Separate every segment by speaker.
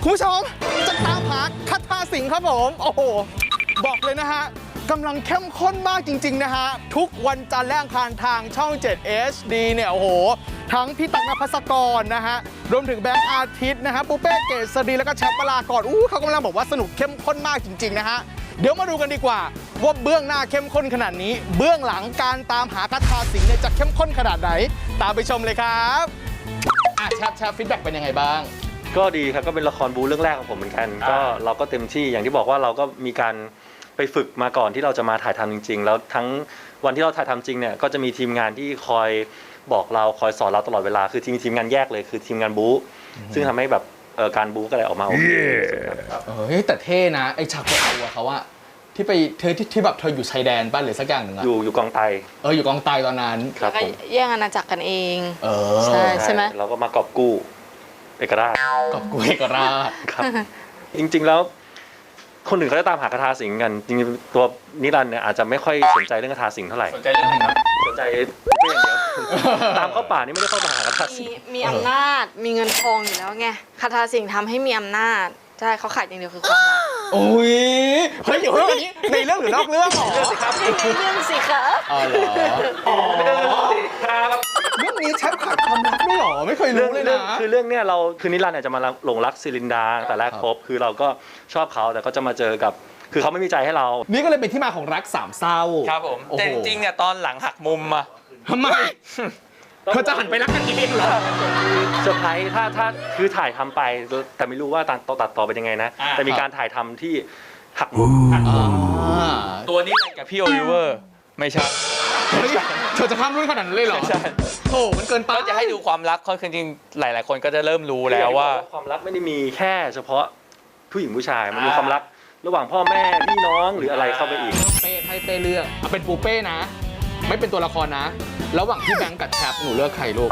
Speaker 1: คุณผู้ชมจะตามหาคาถาสิงห์ครับผมโอ้โหบอกเลยนะฮะกำลังเข้มข้นมากจริงๆนะฮะทุกวันจันทร์และอังคารทางช่อง 7 HD เนี่ยโอ้โหทั้งพี่ตั๊กนภัสกรนะฮะรวมถึงแบงค์อาทิตย์นะฮะปูเป้เกษรีแล้วก็แชมป์วรากรเขากำลังบอกว่าสนุกเข้มข้นมากจริงๆนะฮะเดี๋ยวมาดูกันดีกว่าว่าเบื้องหน้าเข้มข้นขนาดนี้เบื้องหลังการตามหาคาถาสิงห์เนี่ยจะเข้มข้นขนาดไหนตามไปชมเลยครับแชปฟีดแบ็กเป็นยังไงบ้าง
Speaker 2: ก็ดีครับก็เป็นละครบูเรื่องแรกของผมเหมือนกันก็เราก็เต็มที่อย่างที่บอกว่าเราก็มีการไปฝึกมาก่อนที่เราจะมาถ่ายทำจริงๆแล้วทั้งวันที่เราถ่ายทำจริงเนี่ยก็จะมีทีมงานที่คอยบอกเราคอยสอนเราตลอดเวลาคือทีมงานแยกเลยคือทีมงานบูซึ่งทำให้แบบการบูก็เลยออกมาโอเค
Speaker 1: แต่เท่นะไอฉากเอาเขาอะที่ไปที่แบบเธออยู่ชายแดนบ้านหรือสักอย่างหนึ่งอะ
Speaker 2: อยู่กองไต
Speaker 1: อยู่กองไตตอนนั้น
Speaker 2: ครับผม
Speaker 3: แย่งอาณาจักรกันเองใช่ไหม
Speaker 2: เราก็มากอบกู้เอกราช
Speaker 1: กอบกู้เอกราช
Speaker 2: ครับจริงๆแล้วคนอื่นเขาจะตามหาคาถาสิงห์กันจริงๆตัวนิรันดร์เนี่ยอาจจะไม่ค่อยสนใจเรื่องคาถาสิงห์เท่าไหร่
Speaker 1: สนใจเรื่องอะไรครับ
Speaker 2: สนใจเรื่องอย่างเดียวตามเข้าป่านี่ไม่ได้เข้ามาหาคาถาสิงห์
Speaker 3: มีอำนาจมีเงินทองอยู่แล้วไงคาถาสิงห์ทำให้มีอำนาจใช่เขาขายอย่างเดียวคือความรัก
Speaker 1: โอ้ยเฮ้ยอยู่เรื่องนี้ในเรื่องหรือนอกเรื่องหรอ
Speaker 3: ในเรื่องสิคะ
Speaker 1: อ๋อเหรอเรื่องนี้แชปขายความรักด้วยหรอไม่เคยรู้เลยนะ
Speaker 2: คือเรื่องเนี้ยเราคือนิรันดร์เนี่ยจะมาหลงรักซิลินดาแต่แรกพบคือเราก็ชอบเขาแต่ก็จะมาเจอกับคือเขาไม่มีใจให้เรา
Speaker 1: นี่ก็เลยเป็นที่มาของรักสามเศร้า
Speaker 4: ครับผมแต่จริงๆเนี่ยตอนหลังหักมุมมา
Speaker 1: ทำไมเธอจะหันไปรักกันเองเหรอ
Speaker 2: เซอร์ไพรส์ถ้าคือถ่ายทำไปแต่ไม่รู้ว่าตัดต่อเป็นยังไงนะแต่มีการถ่ายทำที่หักมุม
Speaker 4: ตัวนี้กับพี่โอลิเวอร์ไม่ใช่
Speaker 1: เธอจะข้ามรุ่นขนาดนั้นเลยเหรอ
Speaker 4: ใช่
Speaker 1: โอ้มันเกินไป
Speaker 4: ก็จะให้ดูความรักคือจริงหลายๆคนก็จะเริ่มรู้แล้วว่า
Speaker 2: ความรักไม่ได้มีแค่เฉพาะผู้หญิงผู้ชายมันมีความรักระหว่างพ่อแม่พี่น้องหรืออะไรเข้าไปอีก
Speaker 1: ให้เป้เลือกเอาเป็นปูเป้นะไม่เป็นตัวละครนะระหว่างพี่แบงค์กับแชปหนูเลือกใครลูก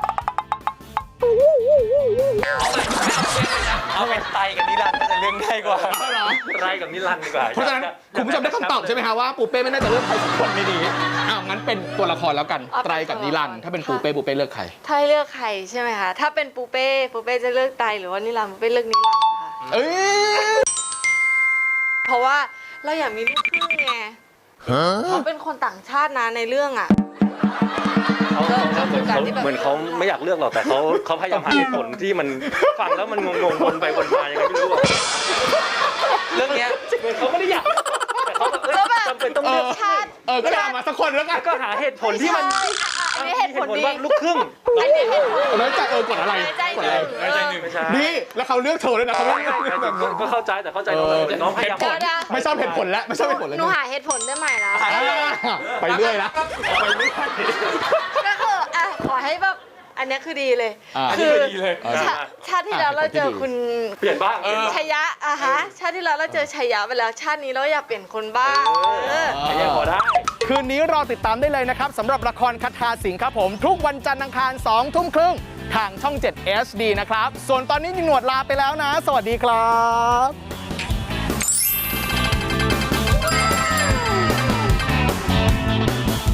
Speaker 4: เอาเป็นไตกับนิรันดร์น่าจะเรื่องง่ายกว่า
Speaker 2: ไตกับนิรันดร์ดีกว่า
Speaker 1: เพราะฉะนั้นคุณผู้ชมได้คำตอบใช่ไหมคะว่าปูเป้ไม่น่าจะเลือกใครสักคนในนี้งั้นเป็นตัวละครแล้วกันไตรกับนิรันดร์ถ้าเป็นปูเป้เลือกใคร
Speaker 3: ถ้าเลือกใครใช่ไหมคะถ้าเป็นปูเป้จะเลือกไตหรือว่านิรันดร์ปูเป้เลือกนิรันดร์ค่ะเพราะว่าเราอยากมีลูกครึ่งไงเขาเป็นคนต่างชาตินะในเรื่องอ่ะ
Speaker 2: เหมือนเขาไม่อยากเลือกหรอกแต่เขาพยายามหาเหตุผลที่มันฟังแล้วมันงงวนไปวนมายังไงไม่รู้
Speaker 4: เรื่องนี้
Speaker 2: เหมือนเขาไม่ได้อยากแต่เขาจำเป็นต้องเลือก
Speaker 3: ชาติ
Speaker 1: ก็ได้มาสักคนแล้วกัน
Speaker 2: ก็หาเหตุผลที่มัน
Speaker 3: เหตุผล
Speaker 2: ว่าลูกครึ่ง
Speaker 1: น้อยใจกดอะไรนี่แล้วเขาเลือกเธอเลยนะเขา
Speaker 2: ก็เข้าใจแต่เข้าใจน้องพยายาม
Speaker 1: ไม่ชอบเหตุผลแล้วไม่ชอบเหตุผลแล้ว
Speaker 3: หนูหาเหตุผลได้ใหม่แล้ว
Speaker 1: ไปเรื่อยละ
Speaker 3: ก็คือขอให้แบบอันนี้คือดีเลยคือชาติที่แล้วเราเจอคุณ
Speaker 2: เปลี่ยนบ้าง
Speaker 3: ชัยยะชาติที่แล้วเราเจอชัยยะไปแล้วชาตินี้เราอยากเปลี่ยนคนบ้าง
Speaker 2: พอได้
Speaker 1: คืนนี้รอติดตามได้เลยนะครับสำหรับละครคาถาสิงห์ครับผมทุกวันจันทร์อังคาร 20:30 ทางช่อง 7 HD นะครับส่วนตอนนี้หนวดลาไปแล้วนะสวัสดีครับ